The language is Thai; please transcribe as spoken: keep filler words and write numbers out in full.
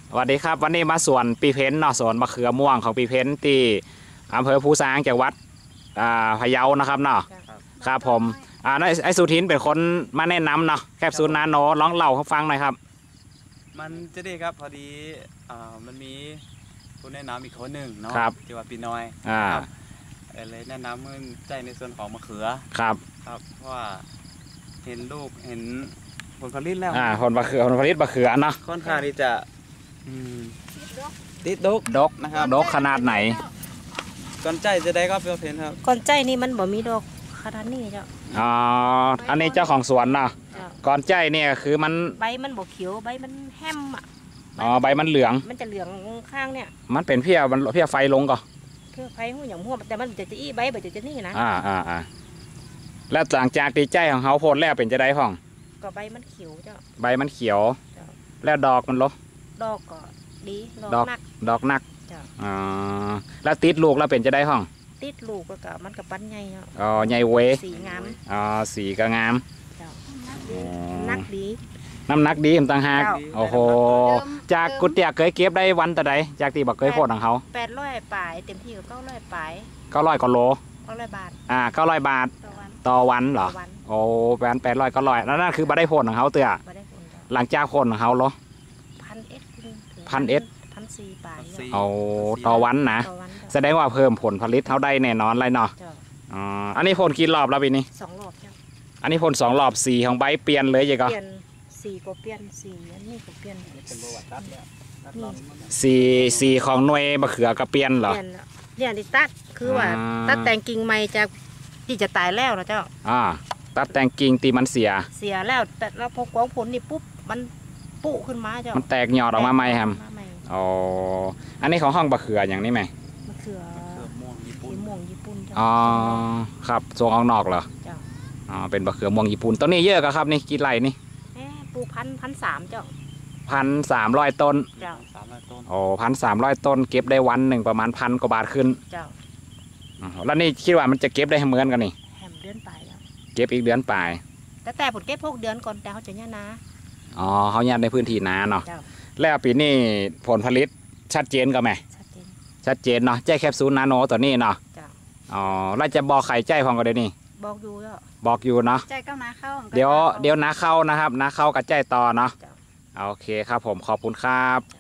สวัสดีครับวันนี้มาสวนปีเพ้นเนาะสวนมะเขือม่วงของปีเพ้นที่อำเภอภูซางจังหวัดพะเยานะครับเนาะครับผมอ่าไอสุทินเป็นคนมาแนะนำเนาะแคปซูลนาโนร้องเล่าให้ฟังหน่อยครับมันจะดีครับพอดีอ่ามันมีผู้แนะนำอีกคนหนึ่งเนาะที่ว่าปีน้อยอ่าเลยแนะนำมือใจในส่วนของมะเขือครับครับเพราะว่าเห็นลูกเห็นผลผลิตแล้วอ่าผลมะเขือผลผลิตมะเขือเนาะค่อนข้างที่จะติดดกดกนะครับดกขนาดไหนก้อนใจจะได้ก็เปเพนครับก้อนใจนี่มันบ่มีดอกขนาดนี้เจ้าอ๋ออันนี้เจ้าของสวนเนาะก้อนใจเนี่ยคือมันใบมันบ่เขียวใบมันแห้มอ่ะอ๋อใบมันเหลืองมันจะเหลืองข้างเนี่ยมันเป็นเพี้ยมันเพี้ยไฟลงก่อนเพี้ยไฟหูอย่างหัวแต่มันจะจะอี้ใบแบบจะนี่นะอ่าอ่าอ่าแล้วหลังจากตีใจของเขาโพดแล้วเป็นจะได้พ่องก็ใบมันเขียวเจ้าใบมันเขียวแล้วดอกมันลบดอกก็ดีดอกนักดอกนักอ๋อแล้วติดลูกแล้วเป็นจะได้ห้องติดลูกก็มันกับปั้นใหญ่เนาะอ๋อใหญ่เวสีงามอ๋อสีก็งามนักดีน้ำหนักดีต่างหากโอ้โหจากกุฏิเคยเก็บได้วันแต่ใดจากที่บอกเคยโพดของเขาแปดร้อยปลายเต็มที่ก็เก้าร้อยปลายเก้าร้อยกว่าโลเก้าร้อยบาทอ่าเก้าร้อยบาทต่อวันเหรอโอ้แปดแปดร้อยเก้าร้อยแล้วนั่นคือบัได้โพดของเขาเตือหลังจากโพดของเขาเหรอพันเอ็ดพันเอ็ดพันสี่ปลายเอาต่อวันนะแสดงว่าเพิ่มผลผลิตเขาได้แน่นอนเลยเนาะอ๋ออันนี้พ่นกี่รอบแล้วปีนี้สองรอบจ้ะอันนี้พ่นสองรอบสีของใบเปลี่ยนเลยยังก็เปลี่ยนสีก็เปลี่ยนสีอันนี้ก็เปลี่ยนสีสีของหน่วยมะเขือก็เปลี่ยนเหรอเนี่ยดิตัดคือว่าตัดแต่งกิ่งใหม่จากที่จะตายแล้วนะเจ้าอ่าตัดแต่งกิ่งตีมันเสียเสียแล้วแต่เราพอกวางผลนี่ปุ๊บมันปุขึ้นมาเจ้ามันแตกยอดออกมาใหม่ครับอ๋ออันนี้ของห้องมะเขืออย่างนี้ไหมมะเขือม่วงญี่ปุ่นม่วงญี่ปุ่นอ๋อครับทรงออกนอกเหรออ๋อเป็นมะเขือม่วงญี่ปุ่นต้นนี้เยอะครับนี่กี่ไร่นี่ปลูกพันพันสามเจ้าพันสามร้อยต้นเจ้าโอ้พันสามร้อยต้นเก็บได้วันหนึ่งประมาณพันกว่าบาทขึ้นเจ้าแล้วนี่คิดว่ามันจะเก็บได้เหมือนกันนี่แฮมเดือนปลายแล้วเก็บอีกเดือนปลายแต่แต่ผลเก็บพวกเดือนก่อนแต่เขาจะเนี่ยนะอ๋อเขาเนี่ยในพื้นที่นาเนาะแล้วปีนี้ผลผลิตชัดเจนก็ไหมชัดเจนชัดเจนเนาะใจแคปซูลนาโนตัวนี้เนาะอ๋อแล้วจะบอกไข่ใจพองก็ได้นี่บอกอยู่แล้วบอกอยู่เนาะใจก้าวนาเข้าเดี๋ยวเดี๋ยวนาเข้านะครับนาเข้ากับใจต่อเนาะโอเคครับผมขอบคุณครับ